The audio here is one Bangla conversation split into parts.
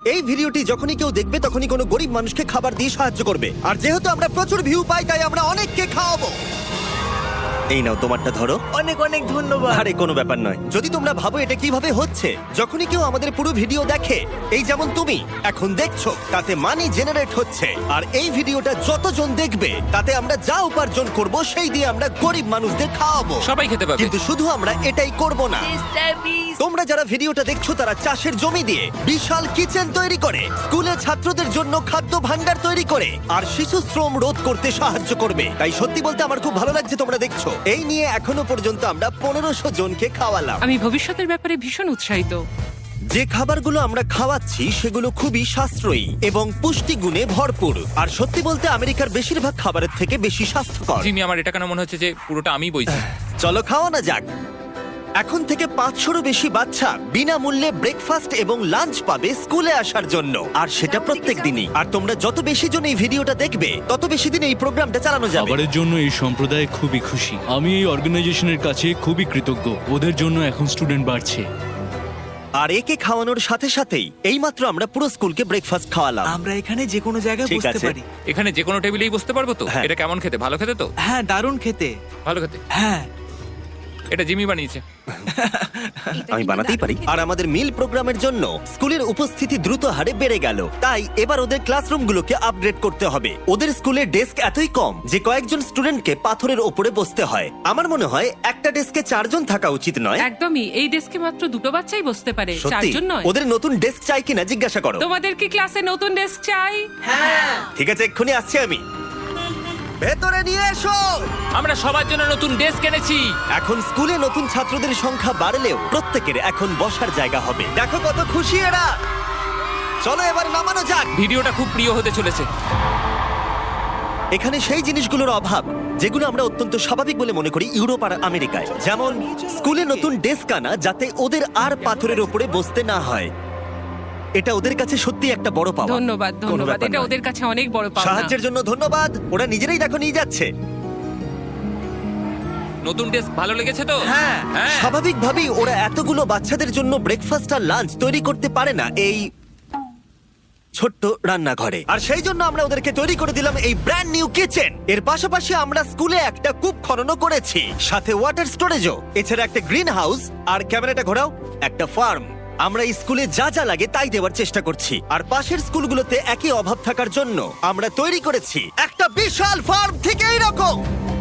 এই ভিডিওটি যখনই কেউ দেখবে তখনই কোনো গরিব মানুষকে খাবার দিয়ে সাহায্য করবে। আর যেহেতু আমরা প্রচুর ভিউ পাই তাই আমরা অনেককে খাওয়াবো। এই নাও তোমারটা ধরো। অনেক অনেক ধন্যবাদ। আরে কোনো ব্যাপার নয়। যদি তোমরা ভাবো এটা কিভাবে হচ্ছে, যখনই কেউ আমাদের পুরো ভিডিও দেখে, এই যেমন তুমি এখন দেখছো, তাতে মানি জেনারেট হচ্ছে। আর এই ভিডিওটা যতজন দেখবে তাতে আমরা যা উপার্জন করব সেই দিয়ে আমরা গরিব মানুষদের খাওয়াবো। সবাই খেতে পাবে। কিন্তু শুধু আমরা এটাই করব না। তোমরা যারা ভিডিওটা দেখছো তারা চাষের জমি দিয়ে বিশাল কিচেন তৈরি করে, স্কুলে ছাত্রদের জন্য খাদ্য ভান্ডার তৈরি করে, আর শিশু শ্রম রোধ করতে সাহায্য করবে। তাই সত্যি বলতে আমার খুব ভালো লাগছে তোমরা দেখছো। এই নিয়ে এখনো পর্যন্ত আমরা 1500 জনকে খাওয়ালাম। আমি ভবিষ্যতের ব্যাপারে ভীষণ উৎসাহিত। যে খাবারগুলো আমরা খাওয়াচ্ছি সেগুলো খুবই সাশ্রয়ী এবং পুষ্টিগুণে ভরপুর। আর সত্যি বলতে আমেরিকার বেশিরভাগ খাবারের থেকে বেশি স্বাস্থ্যকর। জিমি, আমার এটা কেন মনে হচ্ছে যে পুরোটা আমিই বইছি। চলো খাওয়ানো যাক। এখন থেকে 500-রও বেশি বাচ্চা বিনামূল্যে ব্রেকফাস্ট এবং লাঞ্চ পাবে স্কুলে আসার জন্য, আর সেটা প্রত্যেক দিনই। আর তোমরা যত বেশি জন এই ভিডিওটা দেখবে তত বেশি দিন এই প্রোগ্রামটা চালানো যাবে। খাবারের জন্য এই সম্প্রদায় খুবই খুশি। আমি এই অর্গানাইজেশনের কাছে খুবই কৃতজ্ঞ। ওদের জন্য এখন স্টুডেন্ট বাড়ছে। আর একে খাওয়ানোর সাথে সাথেই এইমাত্র আমরা পুরো স্কুলকে ব্রেকফাস্ট খাওয়ালাম। আমরা এখানে যে কোনো জায়গায় ঠিক বসতে আছে। পারি। এখানে যে কোনো টেবিলেই বসতে পারবো তো? হ্যাঁ। এটা কেমন খেতে? ভালো খেতে তো? হ্যাঁ, দারুণ খেতে। ভালো খেতে। হ্যাঁ, এটা জিমি বানিয়েছে। আমি বানাতেই পারি। আর আমাদের মিল প্রোগ্রামের জন্য স্কুলের উপস্থিতি দ্রুত হারে বেড়ে গেল। তাই এবার ওদের ক্লাসরুমগুলোকে আপগ্রেড করতে হবে। ওদের স্কুলের ডেস্ক এতই কম যে কয়েকজন স্টুডেন্টকে পাথরের ওপরে বসতে হয়। আমার মনে হয় একটা ডেস্কে 4 জন থাকা উচিত নয়। একদমই, এই ডেস্কে মাত্র 2টো বাচ্চাই বসতে পারে, সত্যি 4 জন নয়। ওদের নতুন ডেস্ক চাই কিনা জিজ্ঞাসা করো। তোমাদের কি ক্লাসে নতুন ডেস্ক চাই? ঠিক আছে, এক্ষুনি আসছি আমি। ভেতরে নিয়ে এসো। আমরা সবার জন্য নতুন ডেস্ক এনেছি। এখন স্কুলে নতুন ছাত্রদের সংখ্যা বাড়লেও প্রত্যেকের এখন বসার জায়গা হবে। দেখো কত খুশি এরা। চলো এবার নামানো যাক। ভিডিওটা খুব প্রিয় হতে চলেছে। এখানে সেই জিনিসগুলোর অভাব যেগুলো আমরা অত্যন্ত স্বাভাবিক বলে মনে করি ইউরোপ আর আমেরিকায়, যেমন স্কুলে নতুন ডেস্ক আনা যাতে ওদের আর পাথরের উপরে বসতে না হয়। এটা ওদের কাছে সত্যি একটা বড় পাওয়া। ধন্যবাদ, কোনো ধন্যবাদ। ব্যাপার এটা নয়। ওদের কাছে অনেক বড় পাওনা। সাহায্যের জন্য ধন্যবাদ। ওরা নিজেরাই দেখো নিয়ে যাচ্ছে। নতুন ডেস্ক ভালো লেগেছে তো? হ্যাঁ, হ্যাঁ। স্বাভাবিকভাবেই ওরা এতগুলো বাচ্চাদের জন্য ব্রেকফাস্ট আর লাঞ্চ তৈরি করতে পারে না এই ছোট্ট রান্নাঘরে। আর সেই জন্য আমরা ওদেরকে তৈরি করে দিলাম এই ব্র্যান্ড নিউ কিচেন। এর পাশাপাশি আমরা স্কুলে একটা কূপ খননও করেছি, সাথে ওয়াটার স্টোরেজও। এছাড়া একটা গ্রিন হাউস, আর ক্যামেরাটা ঘোরাও, একটা ফার্ম। আমরা এই স্কুলে যা যা লাগে তাই দেওয়ার চেষ্টা করছি। আর পাশের স্কুলগুলোতে একই অভাব থাকার জন্য আমরা তৈরি করেছি একটা বিশাল ফার্ম থেকে এইরকম।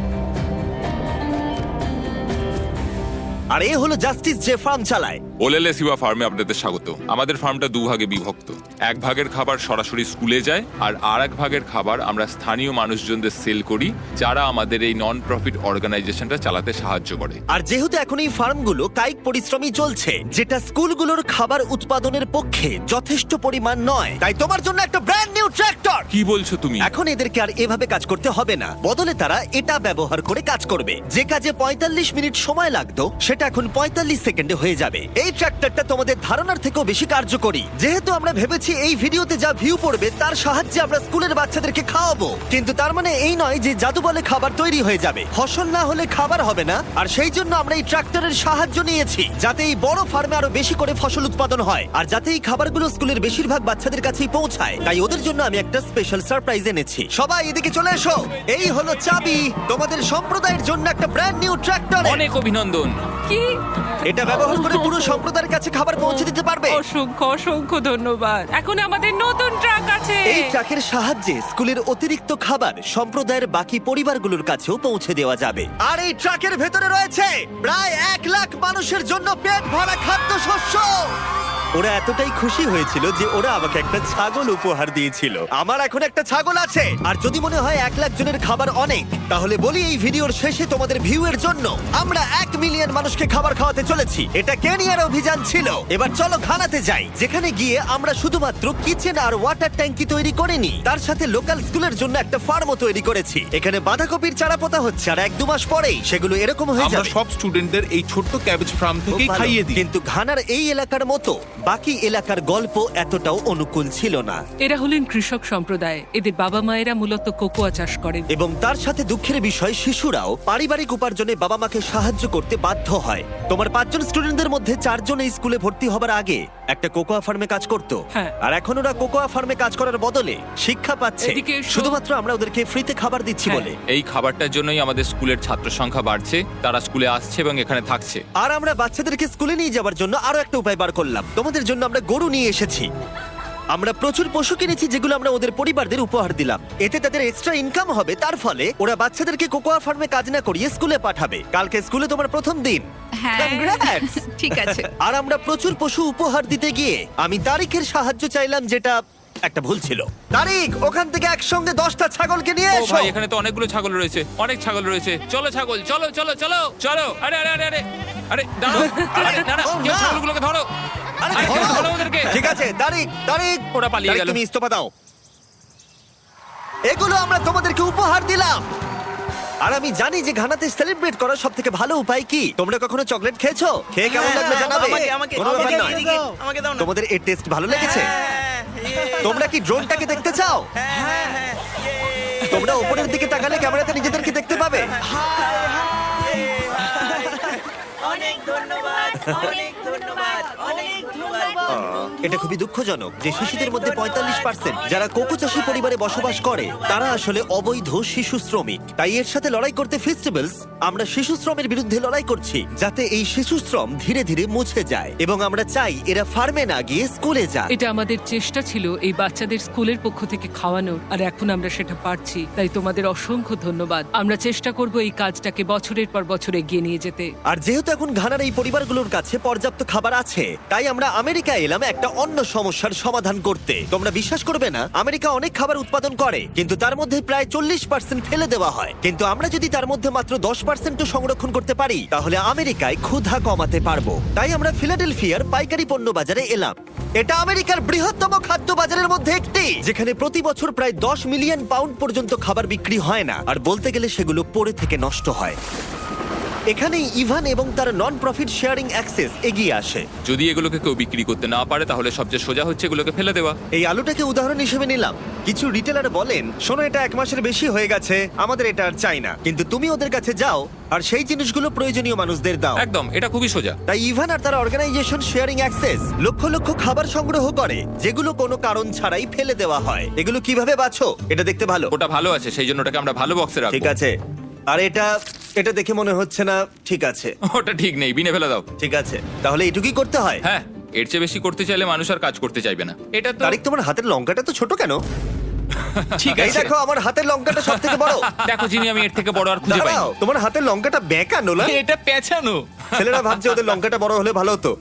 আর এ হলো জাস্টিস যে ফার্ম চালায়। ওলেলে সিবা ফার্মে আপনাদের স্বাগত। আমাদের ফার্মটা 2 ভাগে বিভক্ত। 1 ভাগের খাবার সরাসরি স্কুলে যায়, আর আরেক ভাগের খাবার আমরা স্থানীয় মানুষজনদের সেল করি, যারা আমাদের এই নন প্রফিট অর্গানাইজেশনটা চালাতে সাহায্য করে। আর যেহেতু এখন এই ফার্মগুলো কায়িক পরিশ্রমই চলছে, যেটা স্কুলগুলোর খাবার উৎপাদনের পক্ষে যথেষ্ট পরিমাণ নয়, তাই তোমার জন্য একটা ব্র্যান্ড নিউ ট্র্যাক্টর। কি বলছো তুমি? এখন এদেরকে আর এভাবে কাজ করতে হবে না, বদলে তারা এটা ব্যবহার করে কাজ করবে। যে কাজে 45 মিনিট সময় লাগতো সেটা এখন 45 সেকেন্ডে হয়ে যাবে। এই ট্র্যাক্টরটা তোমাদের ধারণার থেকেও বেশি কার্যকরী। যেহেতু আমরা ভেবেছি এই ভিডিওতে যা ভিউ পড়বে তার সাহায্যে আমরা স্কুলের বাচ্চাদেরকে খাওয়াবো, কিন্তু তার মানে এই নয় যে জাদু বলে খাবার তৈরি হয়ে যাবে। ফসল না হলে খাবার হবে না। আর সেই জন্য আমরা এই ট্র্যাক্টরের সাহায্য নিয়েছি, যাতে এই বড় ফার্মে আরো বেশি করে ফসল উৎপাদন হয়, আর যাতে এই খাবারগুলো স্কুলের বেশিরভাগ বাচ্চাদের কাছেই পৌঁছায়। তাই ওদের জন্য আমি একটা স্পেশাল সারপ্রাইজ এনেছি। সবাই এদিকে চলে এসো। এই হলো চাবি তোমাদের সম্প্রদায়ের জন্য একটা ব্র্যান্ড নিউ ট্র্যাক্টর। অনেক অভিনন্দন। কি? এটা ব্যবহার করে পুরো সম্প্রদায়ের কাছে খাবার পৌঁছে দিতে পারবে। অসংখ্য অসংখ্য ধন্যবাদ। এখন আমাদের নতুন ট্রাক আছে। এই ট্রাকের সাহায্যে স্কুলের অতিরিক্ত খাবার সম্প্রদায়ের বাকি পরিবারগুলোর কাছেও পৌঁছে দেওয়া যাবে। আর এই ট্রাকের ভেতরে রয়েছে প্রায় 1 লাখ মানুষের জন্য পেট ভরা খাদ্যশস্য। ওরা এতটাই খুশি হয়েছিল যে ওরা আমাকে একটা ছাগল উপহার দিয়েছিল। আমার এখন একটা ছাগল আছে। আর যদি মনে হয় 1 লাখ জনের খাবার অনেক, তাহলে বলি এই ভিডিওর শেষে তোমাদের ভিউ এর জন্য আমরা 1 মিলিয়ন মানুষকে খাবার খাওয়াতে চলেছি। এটা কেনিয়ার অভিযান ছিল। এবার চলো ঘানাতে যাই, যেখানে গিয়ে আমরা শুধুমাত্র কিচেন আর ওয়াটার ট্যাঙ্কি তৈরি করিনি, তার সাথে লোকাল স্কুলের জন্য একটা ফার্মও তৈরি করেছি। এখানে বাঁধাকপির চারা পোতা হচ্ছে, আর 1-2 মাস পরেই সেগুলো এরকম হয়ে আমরা যাবে। সব স্টুডেন্টদের এই ছোট্ট ক্যাবেজ ফার্ম খুব থেকেই ভালো। খাইয়ে দিই। কিন্তু ঘানার এই এলাকার মতো বাকি এলাকার গল্প এতটাও অনুকূল ছিল না। এরা হলেন কৃষক সম্প্রদায়। এদের বাবা মায়েরা মূলত কোকোয়া চাষ করেন। এবং তার সাথে দুঃখের বিষয় শিশুরাও পারিবারিক উপার্জনে বাবা মাকে সাহায্য করতে বাধ্য হয়। তোমার 5 জন স্টুডেন্টদের মধ্যে 4 জন এই স্কুলে ভর্তি হবার আগে একটা কোকোয়া ফার্মে কাজ করত। হ্যাঁ। আর এখন ওরা কোকোয়া ফার্মে কাজ করার বদলে শিক্ষা পাচ্ছে, এদিকে এসো। শুধুমাত্র আমরা ওদেরকে ফ্রিতে খাবার দিচ্ছি হ্যাঁ। বলে। এই খাবারটার জন্যই আমাদের স্কুলের ছাত্র সংখ্যা বাড়ছে, তারা স্কুলে আসছে এবং এখানে থাকছে। আর আমরা বাচ্চাদেরকে স্কুলে নিয়ে যাওয়ার জন্য আরো একটা উপায় বার করলাম। তোমাদের জন্য আমরা গরু নিয়ে এসেছি। আমরা প্রচুর পশু কিনেছি যেগুলো আমরা ওদের পরিবারদের উপহার দিলাম। এতে তাদের এক্সট্রা ইনকাম হবে, তার ফলে ওরা বাচ্চাদেরকে কোকোয়া ফার্মে কাজ না করিয়ে স্কুলে পাঠাবে। কালকে স্কুলে তোমার প্রথম দিন। হ্যাঁ Congrats! ঠিক আছে। আর আমরা প্রচুর পশু উপহার দিতে গিয়ে আমি তারিখের সাহায্য চাইলাম, যেটা একটা ভুল ছিল। তারিখ, ওখান থেকে একসঙ্গে 10টা ছাগলকে নিয়ে ও এসো। ভাই, এখানে তো অনেকগুলো ছাগল রয়েছে, অনেক ছাগল রয়েছে। চলো ছাগল, চলো চলো চলো চলো। আরে আরে আরে আরে আরে দাঁড়াও, আরে না না, ও, কেউ না। ছাগলগুলোকে ধরো। আরে আরে, ধরো। ধরো ওদেরকে। ঠিক আছে, তারিখ তারিখ, ওরা পালিয়ে তারিখ, গেল। তুমি ইস্তফা দাও। এগুলো আমরা তোমাদেরকে উপহার দিলাম। আর আমি জানি যে ঘানাতে সেলিব্রেট করার সব থেকে ভালো উপায় কি। তোমরা কখনো চকলেট খেয়েছো? খেয়ে কেমন লাগলো জানাবে। কোনো ব্যাপার নয়। আমাকে দাও না। তোমাদের এর টেস্ট ভালো লেগেছে? হ্যাঁ, তোমরা কি ড্রোনটাকে দেখতে চাও? তোমরা উপরের দিকে তাকালে ক্যামেরাতে নিজেদেরকে দেখতে পাবে। অনেক ধন্যবাদ, অনেক ধন্যবাদ, অনেক ধন্যবাদ। এটা খুবই দুঃখজনক যে শিশুদের মধ্যে 45% যারা কোকো চাষী পরিবারে বসবাস করে তারা আসলে অবৈধ শিশু শ্রমিক। তাই এর সাথে লড়াই করতে ফেস্টিভ্যালস আমরা শিশু শ্রমের বিরুদ্ধে লড়াই করছি, যাতে এই শিশু শ্রম ধীরে ধীরে মুছে যায়। এবং আমরা চাই এরা ফার্মে না গিয়ে স্কুলে যাক। এটা আমাদের চেষ্টা ছিল এই বাচ্চাদের স্কুলের পক্ষ থেকে খাওয়ানোর, আর এখন আমরা সেটা পারছি। তাই তোমাদের অসংখ্য ধন্যবাদ। আমরা চেষ্টা করব এই কাজটাকে বছরের পর বছর এগিয়ে নিয়ে যেতে। আর যেহেতু এখন ঘানার এই পরিবারগুলোর কাছে পর্যাপ্ত খাবার আছে, তাই আমরা আমেরিকায় এলাম একটা অন্য সমস্যার সমাধান করতে। তোমরা বিশ্বাস করবে না, আমেরিকা অনেক খাবার উৎপাদন করে, কিন্তু তার মধ্যে প্রায় 40% ফেলে দেওয়া হয়। কিন্তু আমরা যদি তার মধ্যে মাত্র 10% সংরক্ষণ করতে পারি, তাহলে আমেরিকায় ক্ষুধা কমাতে পারবো। তাই আমরা ফিলাডেলফিয়ার পাইকারি পণ্য বাজারে এলাম। এটা আমেরিকার বৃহত্তম খাদ্য বাজারের মধ্যে একটি, যেখানে প্রতি বছর প্রায় 10 মিলিয়ন পাউন্ড পর্যন্ত খাবার বিক্রি হয় না, আর বলতে গেলে সেগুলো পড়ে থেকে নষ্ট হয়। এখানেই ইভান এবং তার নন প্রফিট শেয়ারিং অ্যাক্সেস এগিয়ে আসে। যদি এগুলোকে কেউ বিক্রি করতে না পারে, তাহলে সবচেয়ে সোজা হচ্ছে এগুলোকে ফেলে দেওয়া। এই আলুটাকে উদাহরণ হিসেবে নিলাম। কিছু রিটেলার বলেন, শোনো এটা 1 মাসের বেশি হয়ে গেছে, আমাদের এটা আর চাই না। কিন্তু তুমি ওদের কাছে যাও আর সেই জিনিসগুলো প্রয়োজনীয় মানুষদের দাও। একদম, এটা খুবই সোজা। তাই ইভান আর তার অর্গানাইজেশন শেয়ারিং অ্যাক্সেস লক্ষ লক্ষ খাবার সংগ্রহ করে, যেগুলো কোনো কারণ ছাড়াই ফেলে দেওয়া হয়। এগুলো কিভাবে বাছো? এটা দেখতে ভালো। ওটা ভালো আছে, সেই জন্য ওটাকে আমরা ভালো বক্সে রাখবো। ঠিক আছে। আর এটা দেখে মনে হচ্ছে না ঠিক আছে। ওটা ঠিক নেই, বিনে ফেলে দাও। ঠিক আছে, তাহলে এটুকুই করতে হয়। হ্যাঁ, এর চেয়ে বেশি করতে চাইলে মানুষ আর কাজ করতে চাইবে না। এটা তো তারিক, তোমার হাতের লঙ্কাটা তো ছোট কেন? ঠিক এই আছে। দেখো, আমার হাতের লঙ্কাটা সব থেকে বড়। দেখো জিমি, আমি এর থেকে বড় আর খুঁজে পাই। দাঁড়াও, তোমার হাতের লঙ্কাটা বেঁকানো না? এটা পেঁচানো। ছেলেরা ভাবছে ওদের লঙ্কাটা বড় হলে ভালো হতো।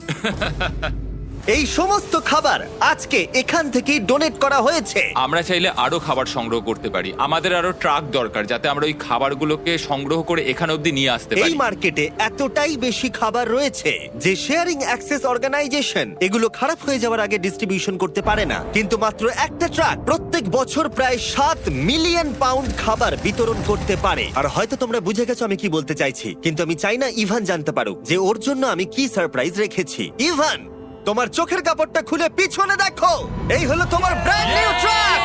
এই সমস্ত খাবার আজকে এখান থেকেই ডোনেট করা হয়েছে। আমরা চাইলে আরো খাবার সংগ্রহ করতে পারি। আমাদের আরো ট্রাক দরকার, যাতে আমরা ওই খাবারগুলোকে সংগ্রহ করে এখানে অবধি নিয়ে আসতে এই পারি। মার্কেটে এতটাই বেশি খাবার রয়েছে যে শেয়ারিং অ্যাক্সেস অর্গানাইজেশন এগুলো খারাপ হয়ে যাওয়ার আগে ডিস্ট্রিবিউশন করতে পারে না। কিন্তু মাত্র একটা ট্রাক প্রত্যেক বছর প্রায় 7 মিলিয়ন পাউন্ড খাবার বিতরণ করতে পারে। আর হয়তো তোমরা বুঝে গেছো আমি কি বলতে চাইছি, কিন্তু আমি চাই না ইভান জানতে পারুক যে ওর জন্য আমি কি সারপ্রাইজ রেখেছি। ইভান, তোমার চোখের কাপড়টা খুলে পিছনে দেখো। এই হলো তোমার ব্র্যান্ড নিউ ট্রাক।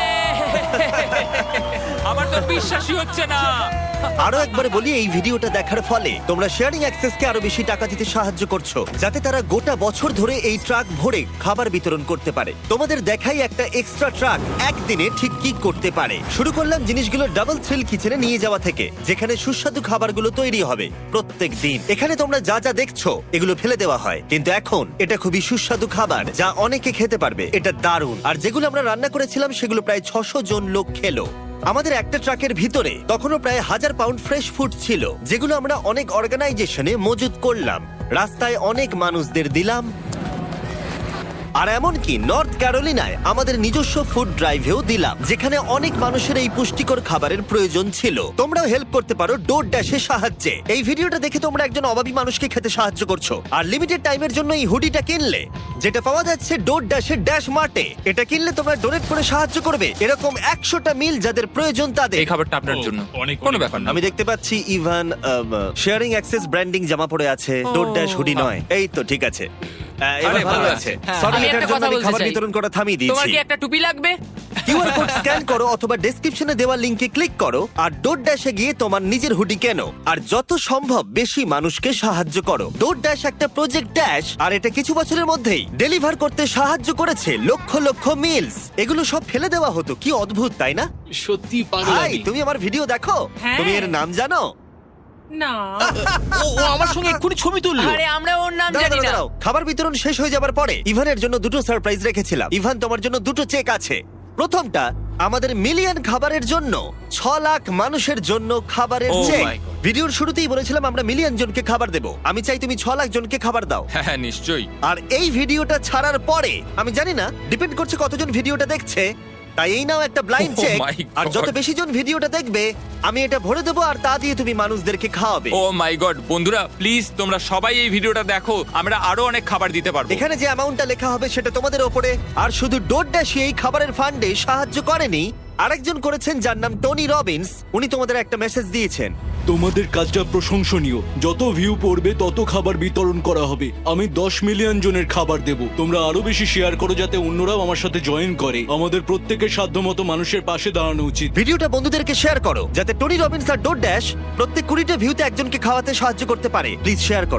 আমার তো বিশ্বাসই হচ্ছে না। আরো একবার বলি, এই ভিডিওটা দেখার ফলে তোমরা শেয়ারিং অ্যাক্সেসকে আরো বেশি টাকা দিতে সাহায্য করছো, যাতে তারা গোটা বছর ধরে এই ট্রাক ভরে খাবার বিতরণ করতে পারে। তোমাদের দেখাই একটা এক্সট্রা ট্রাক একদিনে ঠিক কি করতে পারে। শুরু করলাম জিনিসগুলো ডাবল থ্রিল কিচেনে নিয়ে যাওয়া থেকে, যেখানে সুস্বাদু খাবারগুলো তৈরি হবে প্রত্যেক দিন। এখানে তোমরা যা যা দেখছো এগুলো ফেলে দেওয়া হয়, কিন্তু এখন এটা খুবই সুস্বাদু খাবার যা অনেকে খেতে পারবে। এটা দারুণ। আর যেগুলো আমরা রান্না করেছিলাম সেগুলো প্রায় 600 জন লোক খেলো। আমাদের একটা ট্রাকের ভিতরে তখনও প্রায় 1000 পাউন্ড ফ্রেশ ফুড ছিল, যেগুলো আমরা অনেক অর্গানাইজেশনে মজুত করলাম, রাস্তায় অনেক মানুষদের দিলাম। আর এমনকি নর্থ ক্যারোলিনায় আমাদের নিজস্ব ফুড ড্রাইভেও দিলাম, যেখানে অনেক মানুষের এই পুষ্টিকর খাবারের প্রয়োজন ছিল। তোমরাও হেল্প করতে পারো ডোর ড্যাশের সাহায্যে। এই ভিডিওটা দেখে তোমরা একজন অভাবী মানুষকে খেতে সাহায্য করছো। আর লিমিটেড টাইমের জন্য এই হুডিটা কিনলে, যেটা পাওয়া যাচ্ছে ডোর ড্যাশের ড্যাশ মার্টে, এটা কিনলে তোমরা ডোনেট করে সাহায্য করবে এরকম 100টা মিল যাদের প্রয়োজন তাদের। এই খাবারটা আপনার জন্য। অনেক কোনো ব্যাপার না। আমি দেখতে পাচ্ছি ইভান শেয়ারিং অ্যাক্সেস ব্র্যান্ডিং জামা পরে আছে, ডোর ড্যাশ হুডি নয়। এই তো ঠিক আছে। এবার আরে, ভালো ভালো আছে আছে। সরি আমি এটার একটা জন্য কথা আমি বলতে খাবার চাই। বিতরণ করা থামিয়ে তোমার দিয়েছি কি একটা টুপি লাগবে? কিউআর কোড স্ক্যান করো অথবা ডেসক্রিপশনে দেওয়া লিংকে ক্লিক করো আর ডোর ড্যাশে গিয়ে তোমার নিজের হুডি কেনো আর যত সম্ভব বেশি মানুষকে সাহায্য করো। ডোর ড্যাশ একটা প্রজেক্ট ড্যাশ আর এটা কিছু বছরের মধ্যেই ডেলিভার করতে সাহায্য করেছে লক্ষ লক্ষ মিলস। এগুলো সব ফেলে দেওয়া হতো, কি অদ্ভুত তাই না? সত্যি পাগল ভাই আমি। তুমি আমার ভিডিও দেখো, হ্যাঁ। তুমি এর নাম জানো? না ও আমার সঙ্গে এক্ষুনি ছবি তুললো। আরে আমরা ওর নাম দাঁড়াও, জানি না। দাঁড়াও, দাঁড়াও। খাবার বিতরণ শেষ হয়ে যাবার পরে ইভানের জন্য দুটো সারপ্রাইজ রেখেছিলাম। ইভান, তোমার জন্য দুটো চেক আছে। প্রথমটা আমাদের মিলিয়ন খাবারের জন্য 6 লাখ মানুষের জন্য খাবারের Oh চেক। my God. ভিডিওর শুরুতেই বলেছিলাম আমরা মিলিয়ন জনকে খাবার দেব। আমি চাই তুমি 6 লাখ জনকে খাবার দাও। হ্যাঁ হ্যাঁ নিশ্চয়ই। আর এই ভিডিওটা ছাড়ার পরে আমি জানি না, ডিপেন্ড করছে কতজন ভিডিওটা দেখছে, তাই এই নাও একটা ব্লাইন্ড Oh চেক। my আর যত God. বেশি জন ভিডিওটা দেখবে আমি এটা ভরে দেবো আর তা দিয়ে তুমি মানুষদেরকে খাওয়াবে। Oh ও মাই গড, বন্ধুরা প্লিজ তোমরা সবাই এই ভিডিওটা দেখো, আমরা আরো অনেক খাবার দিতে পারবো। এখানে যে অ্যামাউন্টটা লেখা হবে সেটা তোমাদের ওপরে। আর শুধু ডোর ড্যাশই এই খাবারের ফান্ডে সাহায্য করেনি, আরেকজন করেছেন যার নাম টনি রবিন্স। উনি তোমাদের একটা মেসেজ দিয়েছেন। তোমাদের কাজটা প্রশংসনীয়। যত ভিউ পড়বে তত খাবার বিতরণ করা হবে। আমি 10 মিলিয়ন জনের খাবার দেব। তোমরা আরো বেশি শেয়ার করো যাতে অন্যরাও আমার সাথে জয়েন করে। আমাদের প্রত্যেকের সাধ্যমতো মানুষের পাশে দাঁড়ানো উচিত। ভিডিওটা বন্ধুদেরকে শেয়ার করো যাতে টনি রবিন্স আর ডোর ড্যাশ প্রত্যেক 20টা ভিউতে একজনকে খাওয়াতে সাহায্য করতে পারে। প্লিজ শেয়ার করো।